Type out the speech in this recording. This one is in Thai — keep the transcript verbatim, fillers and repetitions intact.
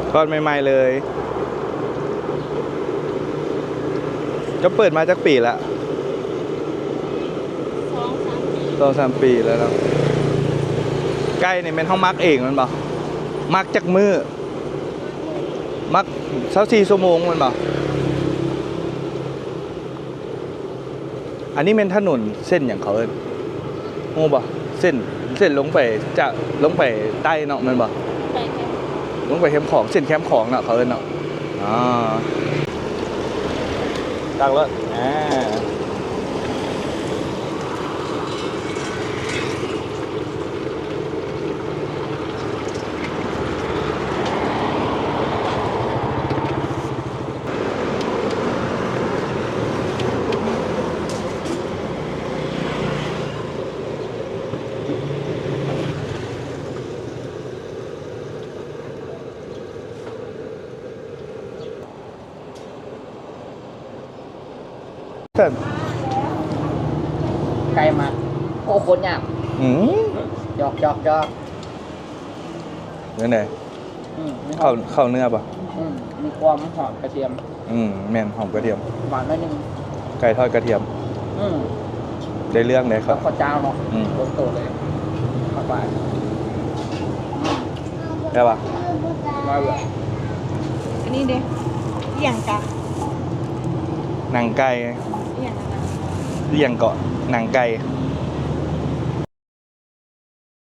ทอดใหม่ๆเลยจะเปิดมาจากปีละสองสามปีแล้วเนาะไก่นี่เป็นห้องมักเองมันบ่มักจากมือมักเช้าสี่ชั่วโมงมันบ่อันนี้เป็นถนนเส้นอย่างเขาเอิ้นโง่บ่เส้นเส้นลงไปจะลงไปใต้เนาะมันบ่ลงไปแคมป์ของเส้นแคมป์ของเนาะเขาเอิ้นเนาะอ๋อตักรถอ่าเส้นไกลมากโอ้คนยากอืมหยอกหยอกหยอกเนื้อไหนอืมมีหเข้าอมเข้าเนื้อป่ะอืมมีความหอมกระเทียมอืมแม่นหอมกระเทียมหวานหน่อยหนึงไก่ทอดกระเทียมอืมได้เรื่องเลยคแล้รัวบข้าวเจ้าเนาะอืมโตโตเลยเข้าไปอืมได้ป่ะมาเลยอันนี้เด้อหย่างกะหนังไก่อหย่างนั้นนะเรียงเกาะหนังไก่อ